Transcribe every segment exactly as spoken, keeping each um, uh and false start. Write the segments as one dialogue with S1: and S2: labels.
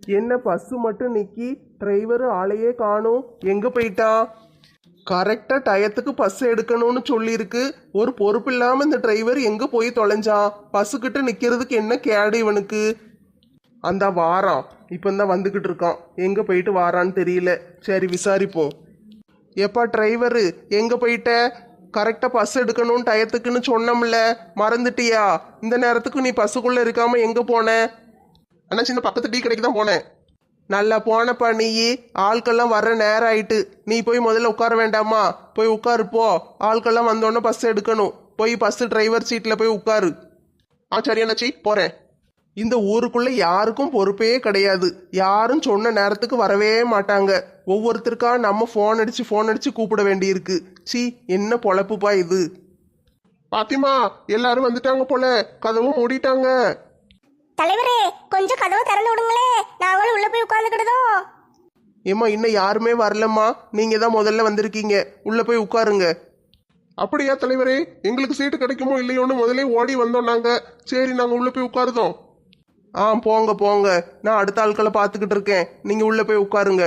S1: என்ன பஸ்ஸு மட்டும் நிக்கி, டிரைவர் ஆளையே காணும். எங்க போயிட்டான்? கரெக்டா டயத்துக்கு பஸ் எடுக்கணும்னு சொல்லியிருக்கு. ஒரு பொறுப்பு இல்லாம இந்த டிரைவர் எங்க போய் தொலைஞ்சான்? பஸ்ஸுக்கிட்ட நிக்கிறதுக்கு என்ன கேடு இவனுக்கு? அந்த வாரான், இப்பந்தான் வந்துகிட்டு இருக்கான். எங்க போயிட்டு வாரான்னு தெரியல. சரி விசாரிப்போம். எப்பா டிரைவரு, எங்க போயிட்ட? கரெக்டா பஸ் எடுக்கணும் டயத்துக்குன்னு சொன்னோம்ல, மறந்துட்டியா? இந்த நேரத்துக்கு நீ பஸ்ஸுக்குள்ள இருக்காம எங்க போன? அண்ணா சின்ன பக்கத்து டீ கடைக்கு தான் போனேன். நல்லா போனப்பா நீ. ஆட்கள்லாம் வர்ற நேரம் ஆயிட்டு. நீ போய் முதல்ல உட்கார வேண்டாமா? போய் உட்காரு போ. ஆட்கள்லாம் வந்தோடனே பஸ் எடுக்கணும். போய் பஸ் டிரைவர் சீட்டில் போய் உட்காரு. ஆ சரி அண்ணாச்சி, போறேன். இந்த ஊருக்குள்ள யாருக்கும் பொறுப்பே கிடையாது. யாரும் சொன்ன நேரத்துக்கு வரவே மாட்டாங்க. ஒவ்வொருத்தருக்கா நம்ம ஃபோன் அடிச்சு ஃபோன் அடிச்சு கூப்பிட வேண்டியிருக்கு. சி, என்ன பொழப்புப்பா இது. பாத்திமா, எல்லாரும் வந்துட்டாங்க போல. கதவும் மூடிட்டாங்க.
S2: தலைவரே, கொஞ்சம் கதவை திறந்து விடுங்களே, நாங்களும் உள்ள போய் உட்கார்ந்துக்கிட்டோம்.
S1: ஏம்மா, இன்னும் யாருமே வரலம்மா. நீங்க தான் முதல்ல வந்திருக்கீங்க. உள்ள போய் உட்காருங்க. அப்படியா தலைவரே? எங்களுக்கு சீட்டு கிடைக்குமோ இல்லையோன்னு முதலே ஓடி வந்தோம் நாங்க. சரி, நாங்க உள்ள போய் உட்காருதோம். ஆ போங்க போங்க, நான் அடுத்த ஆட்களை பார்த்துக்கிட்டு இருக்கேன். நீங்க உள்ள போய் உட்காருங்க.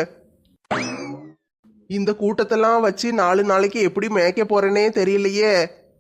S1: இந்த கூட்டத்தெல்லாம் வச்சு நாலு நாளைக்கு எப்படி மேய்க்க போறேனே தெரியலையே.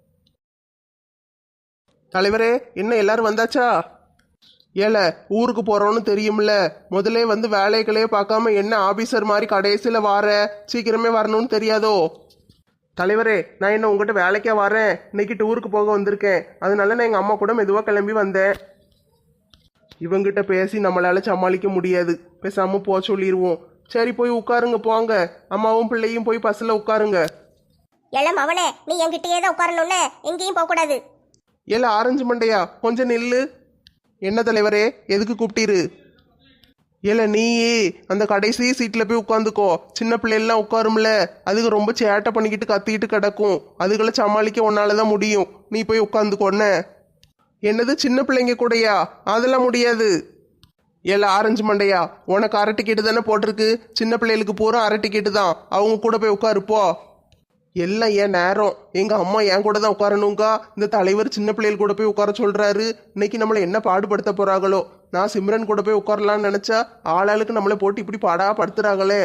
S1: தலைவரே, என்ன எல்லாரும் வந்தாச்சா? ஏல, ஊருக்கு போறோன்னு தெரியும்ல. முதலே வந்து வேலைகளே பார்க்காம என்ன ஆபீசர் மாதிரி கடைசியில வார? சீக்கிரமே வரணும்னு தெரியாதோ? தலைவரே, நான் என்ன உங்ககிட்ட வேலைக்கா வரேன்? இன்னைக்கு டூருக்கு போக வந்திருக்கேன். அதனால நான் எங்க அம்மா கூட மெதுவாக கிளம்பி வந்தேன். இவங்கிட்ட பேசி நம்மளால சமாளிக்க முடியாது. பேசாம போ சொல்லிடுவோம். சரி, போய் உட்காருங்க போங்க. அம்மாவும் பிள்ளையும் போய் பஸ்ல உட்காருங்க.
S2: எல்லாம் அவனே, நீ என்கிட்டயே தான் உட்காரணும்னு, எங்கேயும் போக கூடாது.
S1: ஏல ஆரஞ்சு மண்டையா, கொஞ்சம் நில்லு. என்ன தலைவரே, எதுக்கு கூப்பிட்டீரு? ஏல நீ அந்த கடைசி சீட்டில் போய் உட்காந்துக்கோ. சின்ன பிள்ளைலாம் உட்காரும்ல, அதுக்கு ரொம்ப சேட்டை பண்ணிக்கிட்டு கத்திக்கிட்டு கிடக்கும். அதுகளை சமாளிக்க உன்னால தான் முடியும். நீ போய் உட்காந்துக்கோன்ன. என்னது சின்ன பிள்ளைங்க கூடயா? அதெல்லாம் முடியாது. ஏல ஆரஞ்சு மண்டையா, உனக்கு அரை டிக்கெட்டு தானே போட்டிருக்கு. சின்ன பிள்ளைகளுக்கு பூரா அரை டிக்கெட்டு தான். அவங்க கூட போய் உட்காருப்போ. எல்லாம் ஏன் நேரம். எங்க அம்மா என் கூட தான் உட்காரணுங்கா. இந்த தலைவர் சின்ன பிள்ளைகள் கூட போய் உட்கார சொல்றாரு. இன்னைக்கு நம்மளை என்ன பாடுபடுத்த போறாங்களோ. நான் சிம்ரன் கூட போய் உட்காரலான்னு நினைச்சா ஆளாளுக்கு நம்மளை போட்டு இப்படி பாடா படுத்துறாங்களே.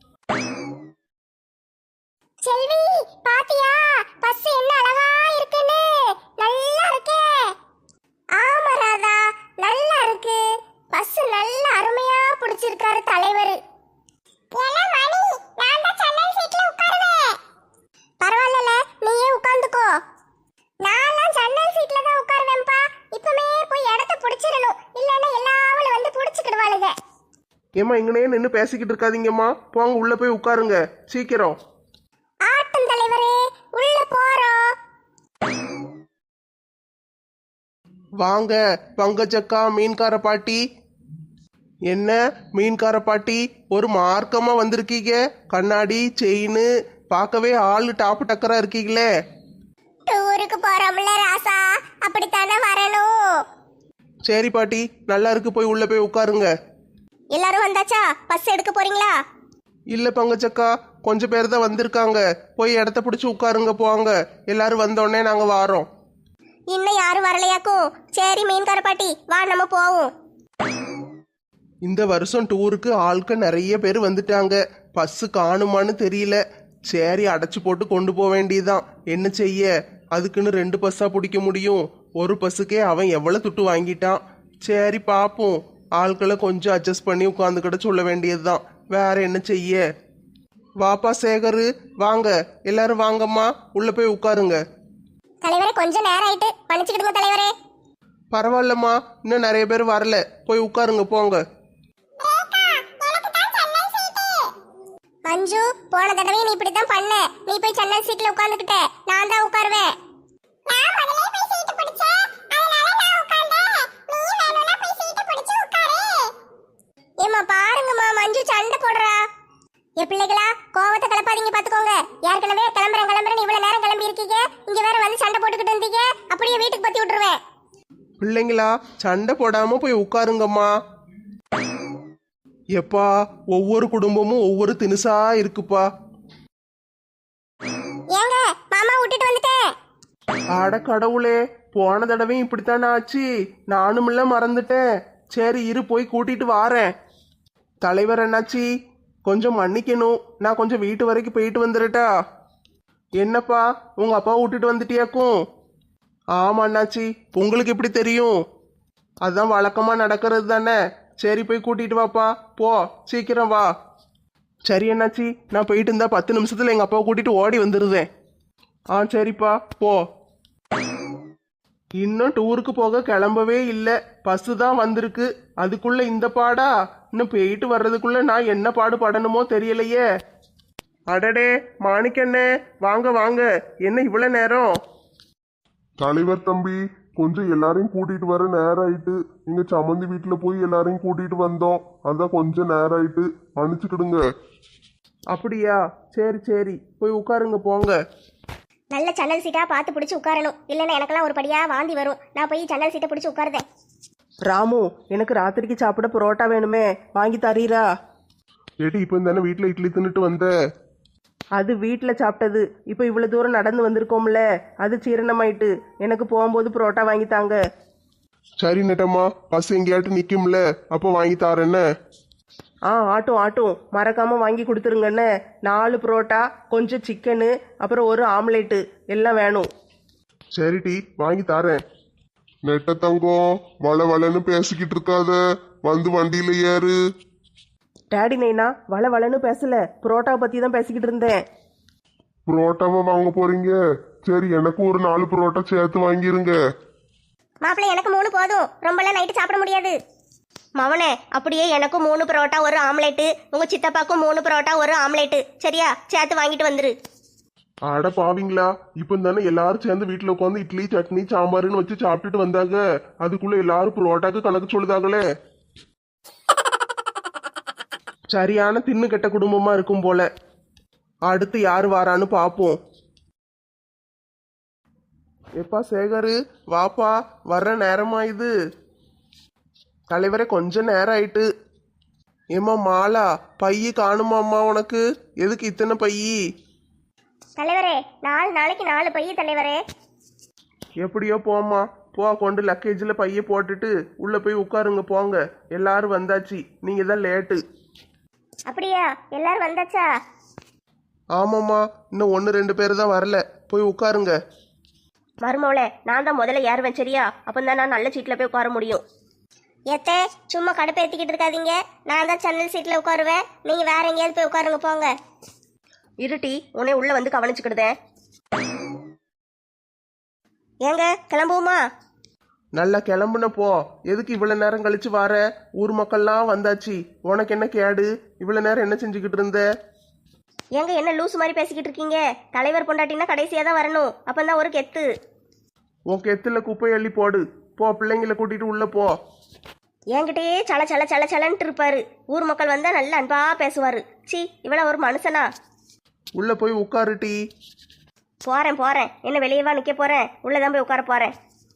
S2: செல்வி, பாத்தியா பஸ் என்ன அழகா இருக்குன்னு? நல்லா இருக்கே. ஆமா ராதா, நல்லா இருக்கு. பஸ் நல்ல அருமையா பிடிச்சிருக்காரு தலைவர். பரவாயில்ல, நீயே உட்காந்துக்கோ. நான்லாம் ஜன்னல் சீட்ல தான் உட்காருவேன்ப்பா. இப்பமே போய் இடத்த பிடிச்சிடணும், இல்லைன்னா எல்லாவளும் வந்து பிடிச்சிக்கிடுவாளுங்க.
S1: ஏமா, இங்கனே நின்று பேசிக்கிட்டு இருக்காதீங்கம்மா. போங்க, உள்ள போய் உட்காருங்க சீக்கிரம்.
S2: ஆட்டம் தலைவரே, உள்ள போறோம்.
S1: வாங்க பங்கஜக்கா, மீன்கார பாட்டி. என்ன மீன்கார பாட்டி, ஒரு மார்க்கமா வந்திருக்கீங்க. கண்ணாடி செயின், பார்க்கவே ஆளு டாப்பு டக்கரா இருக்கீங்களே.
S2: டூருக்கு போறோம்ல ராசா, அப்படித்தானே வரணும்.
S1: சரி பாட்டி, நல்லா இருக்கு. போய் உள்ள போய் உட்காருங்க.
S2: எல்லாரும் வந்தாச்சா? பஸ் எடுக்க போறீங்களா?
S1: இல்ல பங்கஜக்கா, கொஞ்சம் பேர் தான் வந்திருக்காங்க. போய் இடத்த பிடிச்சி உட்காருங்க போங்க. எல்லாரும் வந்தோடனே நாங்க வாரோம்.
S2: இன்னும் யாரும் வரலையாக்கும்? சரி மீன்கார பாட்டி, வா நம்ம போவோம்.
S1: இந்த வருஷம் டூருக்கு ஆட்கள் நிறைய பேர் வந்துட்டாங்க. பஸ்ஸு காணுமான்னு தெரியல. சரி, அடைச்சி போட்டு கொண்டு போக வேண்டியதுதான். என்ன செய்ய, அதுக்குன்னு ரெண்டு பஸ்ஸா பிடிக்க முடியும்? ஒரு பஸ்ஸுக்கே அவன் எவ்வளவு துட்டு வாங்கிட்டான். சரி பார்ப்போம். ஆட்களை கொஞ்சம் அட்ஜஸ்ட் பண்ணி உட்காந்துக்கிட்ட சொல்ல வேண்டியதுதான். வேற என்ன செய்ய. வாப்பா சேகரு, வாங்க எல்லாரும் வாங்கம்மா, உள்ள போய் உட்காருங்க.
S2: தலைவரே, கொஞ்சம் நேரம் ஆயிட்டு, மன்னிச்சுக்கிடுங்க தலைவரே.
S1: பரவாயில்லம்மா, இன்னும் நிறைய பேர் வரல. போய் உட்காருங்க போங்க.
S2: மஞ்சு, போன தடவை நீ இப்படித்தான் பண்ண. நீ போய் ஜன்னல் சீட்ல உட்கார்ந்துக்கிட்ட, நான் தான் உட்காருவேன். நான் முதல்ல போய் சீட் பிடிச்சேன், அதனால நான் உட்கார்ந்தேன். நீ வேணும்னா போய் சீட் பிடிச்சு உட்காரு. ஏம்மா பாருங்கம்மா, மஞ்சு சண்டை போடுறா. ஏ பிள்ளைகளா, கோவத்தை கிளப்பாதீங்க பாத்துக்கோங்க. ஏற்கனவே கிளம்புறேன் கிளம்புறேன் இவ்வளவு நேரம் கிளம்பி இருக்கீங்க. இங்க வேற வந்து சண்டை போட்டுக்கிட்டு இருந்தீங்க. அப்படியே வீட்டுக்கு பத்தி விட்டுருவேன்.
S1: பிள்ளைங்களா, சண்டை போடாம போய் உட்காருங்கம்மா. எப்பா, ஒவ்வொரு குடும்பமும் ஒவ்வொரு தினுசா இருக்குப்பா.
S2: ஏங்க மாமா விட்டுட்டு வந்துட்டேன்.
S1: அட கடவுளே, போன தடவையும் இப்படித்தானே ஆச்சு. நானும் இல்ல மறந்துட்டேன். சரி இரு, போய் கூட்டிட்டு வாரேன். தலைவர் அண்ணாச்சி, கொஞ்சம் மன்னிக்கணும். நான் கொஞ்சம் வீட்டு வரைக்கும் போயிட்டு வந்துடட்டா? என்னப்பா, உங்க அப்பா விட்டுட்டு வந்துட்டியாக்கும்? ஆமா அண்ணாச்சி, உங்களுக்கு எப்படி தெரியும்? அதான் வழக்கமா நடக்கிறது தானே. சரி, போய் கூட்டிட்டு வாப்பா. போ, சீக்கிரம் வா. சரி அண்ணாச்சி, நான் போயிட்டு இருந்தா பத்து நிமிஷத்துல எங்க அப்பாவை கூட்டிட்டு ஓடி வந்துடுறேன். ஆ சரிப்பா, போ. இன்னும் டூருக்கு போக கிளம்பவே இல்லை. பஸ்ஸு தான் வந்திருக்கு. அதுக்குள்ள இந்த பாடா? இன்னும் போயிட்டு வர்றதுக்குள்ள நான் என்ன பாடு படணுமோ தெரியலையே. அடடே மாணிக்கண்ணே, வாங்க வாங்க. என்ன இவ்வளவு நேரம்?
S3: தலைவர் தம்பி, கொஞ்சம் எல்லாரையும் கூட்டிட்டு வர நேரம் ஆயிட்டு. இங்க சம்மந்தி வீட்டுல போய் எல்லாரையும் கூட்டிட்டு வந்தோம். அதான் கொஞ்சம் நேரம் ஆயிட்டு, மன்னிச்சுக்கிடுங்க.
S1: அப்படியா? சரி சரி, போய் உட்காருங்க போங்க.
S2: நல்ல சன்னல் சீட்டா பார்த்து பிடிச்சி உட்காரணும், இல்லைன்னா எனக்கெல்லாம் ஒரு படியா வாந்தி வரும். நான் போய் சன்னல் சீட்டை பிடிச்சி உட்காருதேன்.
S1: ராமு, எனக்கு ராத்திரிக்கு சாப்பிட புரோட்டா வேணுமே, வாங்கி தரீரா?
S3: ஏட்டி, இப்போ தானே வீட்டுல இட்லி தின்னுட்டு வந்த.
S1: அது வீட்டில் சாப்பிட்டது. இப்போ இவ்வளோ தூரம் நடந்து வந்திருக்கோம்ல, அது ஜீரணமாயிட்டு. எனக்கு போகும்போது புரோட்டா வாங்கி தாங்க.
S3: சரி நெட்டம்மா, பஸ் எங்கேயாட்டு நிக்கும்ல, அப்போ வாங்கி தாரேன்ன.
S1: ஆ ஆட்டும் ஆட்டும், மறக்காம வாங்கி கொடுத்துருங்கண்ணே. நாலு புரோட்டா, கொஞ்சம் சிக்கனு, அப்புறம் ஒரு ஆம்லேட்டு எல்லாம் வேணும்.
S3: சரி டி, வாங்கி தாரேன். நெட்ட தங்கம், வள வளன்னு பேசிக்கிட்டு இருக்காத, வந்து வண்டியில ஏறு.
S1: டேடி நைனா, வள வளன்னு பேசல, புரோட்டாவை பற்றி தான் பேசிக்கிட்டு இருந்தேன்.
S3: புரோட்டாவை வாங்க போறீங்க? சரி, எனக்கு ஒரு நாலு புரோட்டா சேர்த்து வாங்கிருங்க.
S2: மாப்பிள்ளை, எனக்கு மூணு போதும், ரொம்பலாம் நைட்டு சாப்பிட முடியாது. மவனே, அப்படியே எனக்கும் மூணு பரோட்டா ஒரு ஆம்லேட்டு, உங்க சித்தப்பாக்கும் மூணு பரோட்டா ஒரு ஆம்லேட்டு, சரியா? சேர்த்து வாங்கிட்டு வந்துரு.
S3: அட பாவீங்களா, இப்போ தானே எல்லாரும் சேர்ந்து வீட்டுல உட்காந்து இட்லி சட்னி சாம்பார்னு வச்சு சாப்பிட்டுட்டு வந்தாங்க. அதுக்குள்ள எல்லாரும் புரோட்டாக்கு கணக்கு சொல்லுதாங்களே.
S1: சரியான தின்னு கெட்ட குடும்பமா இருக்கும் போல. அடுத்து யார் வாரான்னு பார்ப்போம். எப்பா சேகரு, வாப்பா, வர்ற நேரமா இது? தலைவரே, கொஞ்சம் நேரம் ஆயிட்டு. ஏம்மா மாலா, பைய காணுமாம்மா உனக்கு? எதுக்கு இத்தனை பையி?
S2: தலைவரே, நாலு நாளைக்கு நாலு பைய தலைவரே.
S1: எப்படியோ போம்மா, போ, கொண்டு லக்கேஜில் பைய போட்டுட்டு உள்ள போய் உட்காருங்க போங்க. எல்லாரும் வந்தாச்சு, நீங்க தான் லேட்டு.
S2: அப்படியா? எல்லாரும் வந்தாச்சா?
S1: ஆமாம்மா, இன்னும் ஒன்று ரெண்டு பேர் தான் வரல. போய் உட்காருங்க.
S2: மருமோளே, நான் தான் முதல்ல ஏறுவேன், சரியா? அப்பந்தான் நான் நல்ல சீட்டில் போய் உட்கார முடியும். ஏத்தே, சும்மா கடுப்பு ஏற்றிக்கிட்டு இருக்காதீங்க. நான் தான் ஜன்னல் சீட்டில் உட்காருவேன், நீங்கள் வேற எங்கேயாவது போய் உட்காருங்க போங்க.
S4: இருட்டி, உன்னை உள்ள வந்து கவனிச்சுக்கிடுதேன்.
S2: ஏங்க, கிளம்புவோமா?
S1: நல்லா கிளம்புன போ. எதுக்கு இவ்வளவு நேரம் கழிச்சு வர? ஊர் மக்கள்லாம் வந்தாச்சு. உனக்கு என்ன கேடு? இவ்வளவு நேரம் என்ன செஞ்சுக்கிட்டு இருந்த?
S2: ஏங்க, என்ன லூஸ் மாதிரி பேசிக்கிட்டு இருக்கீங்க? தலைவர் பொண்டாட்டினா கடைசியாக தான் வரணும், அப்பந்தான் ஒரு கெத்து.
S1: உன் கெத்துல குப்பை அள்ளி போடு. போ, பிள்ளைங்களை கூட்டிட்டு உள்ள போ.
S2: என்கிட்டயே சல சல சல சலன்ட்டு இருப்பாரு. ஊர் மக்கள் வந்தா நல்ல அன்பா பேசுவாரு. சி, இவ்வளோ ஒரு மனுஷனா?
S1: உள்ள போய் உட்காரு டீ.
S2: போறேன் போறேன், என்ன வெளியவா நிக்க போறேன்? உள்ளதான் போய் உட்கார போறேன்.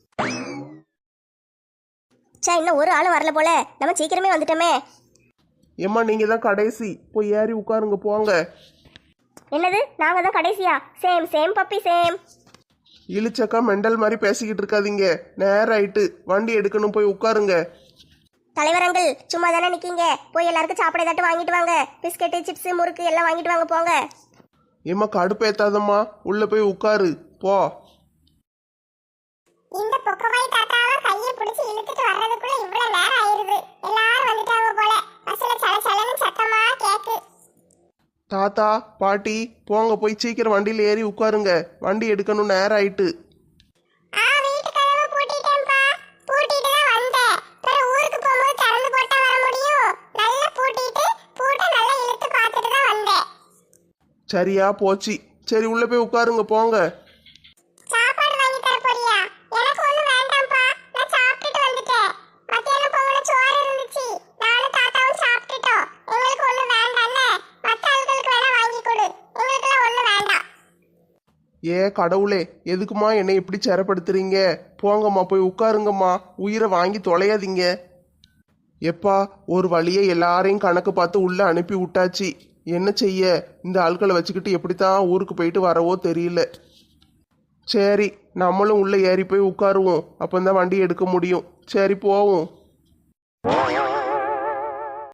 S2: சே, இன்னும் ஒரு ஆளும் வரல போல, நம்ம சீக்கிரமே வந்துட்டோமே.
S1: ஏம்மா, நீங்க தான் கடைசி. போய் ஏறி உட்காருங்க போங்க.
S2: என்னது, நாங்க தான் கடைசியா? Same same puppy same.
S1: இழிச்சக்கா மெண்டல் மாதிரி பேசிக்கிட்டு இருக்காதீங்க. நேரம் ஆயிட்டு, வண்டி எடுக்கணும். போய் உட்காருங்க.
S2: தலைவர் அங்கிள், சும்மா தானே நிக்கீங்க? போய் எல்லாருக்கும் சாப்பிட ஏதாட்டும் வாங்கிட்டு வாங்க. பிஸ்கெட்டு, சிப்ஸ், முறுக்கு எல்லாம் வாங்கிட்டு வாங்க போங்க.
S1: ஏம்மா, கடுப்பேத்தாதம்மா, உள்ள போய் உட்காரு போ.
S2: இந்த பொக்கவாய் தாத்தாவை கையை பிடிச்சி இழுத்துட்டு வர்றதுக்குள்ள இவ்வளவு நேரம் ஆயிருது. எல்லாரும் வந்துட்டாங்க போல. பஸ்ல சல சலன்னு சத்தமா கேக்கு.
S1: தாத்தா, பாட்டி, போங்க, போய் சீக்கிரம் வண்டியில் ஏறி உட்காருங்க. வண்டி எடுக்கணும், நேரம் ஆயிட்டு.
S2: ஆ, வீட்டு கதவை பூட்டிட்டேன்ப்பா. பூட்டிட்டு தான் வந்தேன். பிறகு ஊருக்கு போகும்போது திறந்து போட்டா வர முடியும். நல்லா பூட்டிட்டு பூட்டை நல்லா இழுத்து பார்த்துட்டு தான் வந்தேன்.
S1: சரியா போச்சு. சரி, உள்ள போய் உட்காருங்க போங்க.
S2: சாப்பாடு வாங்கி தர போறியா? எனக்கு ஒண்ணும் வேண்டாம்ப்பா, நான் சாப்பிட்டுட்டு வந்துட்டேன். மத்தியானம் பொங்கல சோறு இருந்துச்சு, நானும் தாத்தாவும் சாப்பிட்டுட்டோம். எங்களுக்கு ஒண்ணும் வேண்டாம்ல, மத்த ஆளுகளுக்கு வேணா வாங்கி கொடு, எங்களுக்குலாம் ஒண்ணும் வேண்டாம்.
S1: ஏ கடவுளே, எதுக்குமா என்னை இப்படி சிரப்படுத்துறீங்க? போங்கம்மா, போய் உட்காருங்கம்மா. உயிரை வாங்கி தொலையாதீங்க. எப்பா, ஒரு வழியை எல்லாரையும் கணக்கு பார்த்து உள்ள அனுப்பி விட்டாச்சு. என்ன செய்ய? இந்த ஆட்களை வச்சுக்கிட்டு எப்படித்தான் ஊருக்கு போயிட்டு வரவோ தெரியல. சரி, நம்மளும் உள்ள ஏறி போய் உட்காருவோம். அப்பந்தான் வண்டி எடுக்க முடியும். சரி, போவோம்.